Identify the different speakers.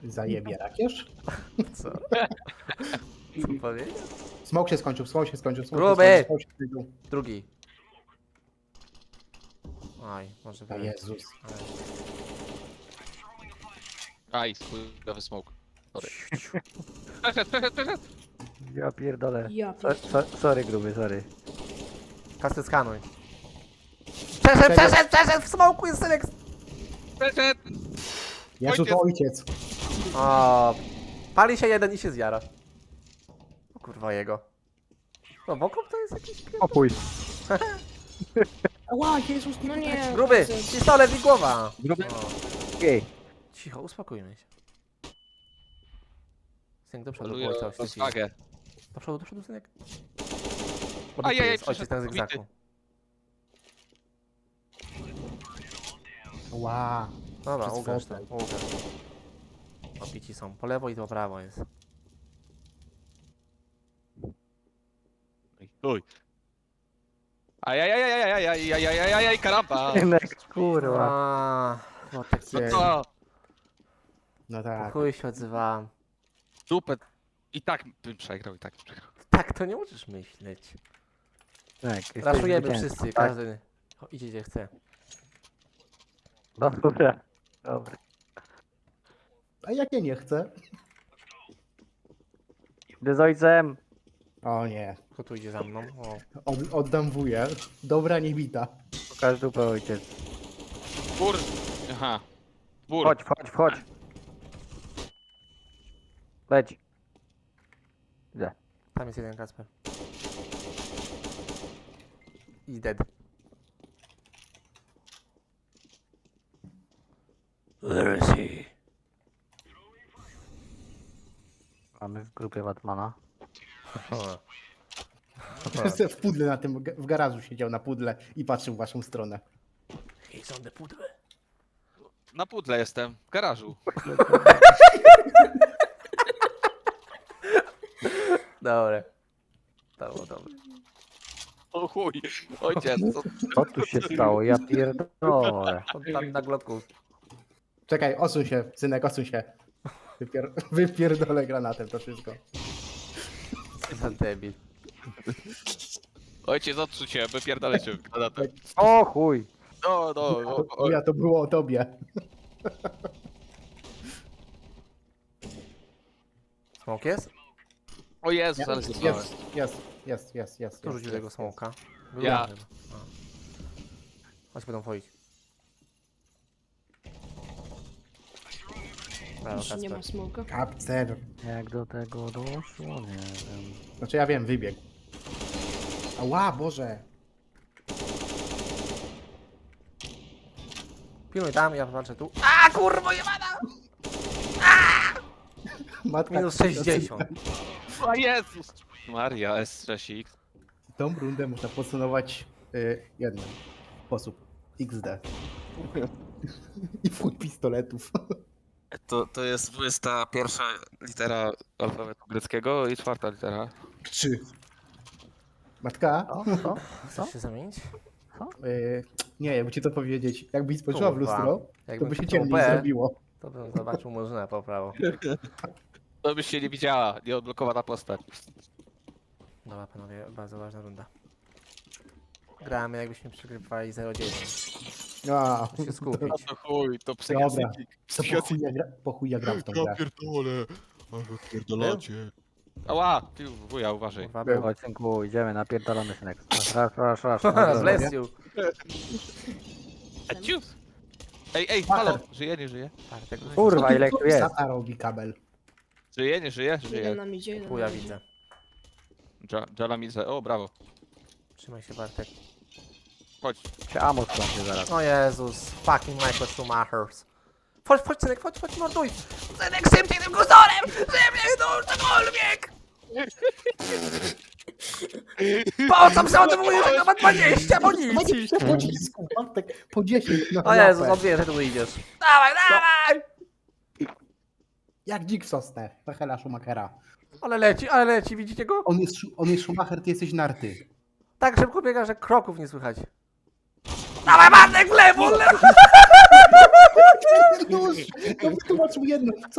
Speaker 1: Zajebie rakierz.
Speaker 2: Co? Co powiedzieć?
Speaker 1: Smoke się skończył, smoke się skończył.
Speaker 2: Gruby!
Speaker 1: Smoke się skończył.
Speaker 2: Drugi. Oj, może
Speaker 1: O
Speaker 2: być.
Speaker 1: Jezus.
Speaker 3: Aj, chujowy smoke. Sorry. Przeszedł.
Speaker 4: Ja pierdolę.
Speaker 5: Ja
Speaker 4: Sorry gruby, sorry.
Speaker 2: Kasty skanuj. Przeszedł! W smoku jest Synek!
Speaker 3: Przeszedł.
Speaker 1: Jezu, to ojciec.
Speaker 2: O, pali się jeden i się zjara. O kurwa jego. No Wokop to jest jakiś pier...
Speaker 4: Opój.
Speaker 1: Ła, Jezus,
Speaker 5: No nie.
Speaker 2: Gruby! Pistolet i głowa!
Speaker 4: Gruby.
Speaker 2: O,
Speaker 4: Okej.
Speaker 2: cicho, uspokójmy się. Synek do przodu,
Speaker 3: Poluję
Speaker 2: było coś.
Speaker 3: rozwagę.
Speaker 2: Do przodu, Synek.
Speaker 3: Ajajaj,
Speaker 2: Ojciec
Speaker 3: przeszedł,
Speaker 2: ten
Speaker 3: pobity.
Speaker 2: zygzaku.
Speaker 1: Ła.
Speaker 2: Dobra,
Speaker 1: Przez
Speaker 2: ugasz to,
Speaker 1: fotel.
Speaker 2: ugasz. Obici są, po lewo i po prawo jest.
Speaker 3: Uj. Ajajajajajajajajajajajaj, karamba.
Speaker 4: Synek, kurwa.
Speaker 2: Aaa, Włotek,
Speaker 3: No to
Speaker 1: No
Speaker 2: po
Speaker 1: tak.
Speaker 2: chuj się odzywałem.
Speaker 3: dupę. I tak bym przegrał,
Speaker 2: Tak to nie musisz myśleć.
Speaker 4: Synek, jesteś
Speaker 2: Raszujemy
Speaker 4: zwycięzcą,
Speaker 2: wszyscy,
Speaker 4: tak?
Speaker 2: każdy. Idzie gdzie chce.
Speaker 4: Dobra. Dobra.
Speaker 1: A jak ja nie chcę?
Speaker 4: Idę z ojcem.
Speaker 1: O nie.
Speaker 2: Kto tu idzie za mną? O.
Speaker 1: Oddam wuję. Dobra niebita.
Speaker 4: Pokaż dupę ojciec.
Speaker 3: Bur. Aha. Bur.
Speaker 4: Wchodź. Leć. Idę.
Speaker 2: Tam jest jeden Kasper. I dead. Where is he?
Speaker 4: Mamy w grupie Batmana.
Speaker 1: W pudle na tym, w garażu siedział na pudle i patrzył w waszą stronę.
Speaker 2: He's on the pudle.
Speaker 3: Na pudle jestem, w garażu.
Speaker 2: Dobre. To było dobre.
Speaker 3: O chuj. Ojciec, co?
Speaker 4: Co tu się stało? Ja pierdolę.
Speaker 2: On tam na glotku.
Speaker 1: Czekaj, odsuń się, synek, odsuń się. Wypierdolę granatem to wszystko.
Speaker 2: Co za debil.
Speaker 3: Ojciec, odsuń się, wypierdolę cię.
Speaker 4: O chuj.
Speaker 3: No,
Speaker 1: Ja to było o tobie.
Speaker 2: Smoke jest?
Speaker 3: O Jezus, ale zjebałem.
Speaker 1: Jest.
Speaker 2: Kto rzucił tego smoka? Był
Speaker 3: Ja.
Speaker 2: chyba. A. Chodź, będą wchodzić. Brawo,
Speaker 5: Już nie
Speaker 2: Kasper.
Speaker 5: ma smoka.
Speaker 1: Kapcer.
Speaker 4: Jak do tego doszło? Nie wiem.
Speaker 1: Znaczy ja wiem, wybiegł. Ała, Boże.
Speaker 2: Pilnuj tam, ja patrzę tu. A kurwa jebana!
Speaker 1: Matka,
Speaker 2: Minus 60.
Speaker 3: O Jezus. Maria, S6X.
Speaker 1: Tą rundę można podsumować jednym sposób. XD. I full pistoletów.
Speaker 3: To jest 21 litera alfabetu greckiego i 4 litera.
Speaker 1: 3. Matka?
Speaker 4: Co?
Speaker 2: Chcesz się zamienić?
Speaker 1: Nie, jakby ci to powiedzieć. Jakbyś spojrzała w
Speaker 2: Kurwa.
Speaker 1: lustro, to
Speaker 2: Jakbym
Speaker 1: by się
Speaker 2: kliknął
Speaker 1: ciemniej
Speaker 2: B,
Speaker 1: zrobiło.
Speaker 2: to bym zobaczył murzynę po prawo.
Speaker 3: To byś się nie widziała, nieodblokowana postać.
Speaker 2: Dobra panowie, bardzo ważna runda. Gramy jakbyśmy przegrywali 0-9.
Speaker 1: A,
Speaker 2: Muszę się skupić.
Speaker 3: No to chuj, to
Speaker 1: Dobra.
Speaker 3: psychiatryk.
Speaker 1: to po chuj ja gram w tą grę.
Speaker 3: pierdolę, ale pierdolacie. Ała, ty wuja, uważaj.
Speaker 2: Kurwa,
Speaker 1: Był.
Speaker 2: był.
Speaker 4: Chodź synku, idziemy, napierdalamy synek. Raz.
Speaker 2: Bless you.
Speaker 3: A cius! Ej, halo, żyje, nie żyje?
Speaker 2: Bartek,
Speaker 4: Kurwa, ile tu jest?
Speaker 1: Sata robi kabel.
Speaker 3: Żyje, nie żyje?
Speaker 5: Jeden
Speaker 3: Żyje.
Speaker 5: nam idzie, jeden
Speaker 2: chuja
Speaker 5: nam idzie.
Speaker 2: widzę.
Speaker 3: Jalamize, o brawo.
Speaker 2: Trzymaj się Bartek.
Speaker 3: Chodź.
Speaker 4: Się Amos skończy zaraz.
Speaker 2: O Jezus, fucking Michael Schumachers. Chodź, Synek, chodź, morduj! Synek, szybciej tym kusorem! Szybciej, no, cokolwiek! Po co przeładowujesz, jak ma 20 amunicji?
Speaker 1: Po pocisku, Bartek, po 10 na
Speaker 2: O Jezus,
Speaker 1: łapę.
Speaker 2: odbierz, że tu idziesz. Dawaj!
Speaker 1: Jak dzik w sosnę, Michaela Schumachera.
Speaker 2: Ale leci, widzicie go?
Speaker 1: On jest Schumacher, ty jesteś narty.
Speaker 2: Tak szybko biega, że kroków nie słychać. Dawaj, Bartek, w lewo!
Speaker 1: Nóż! No wytłumacz mi jedno, co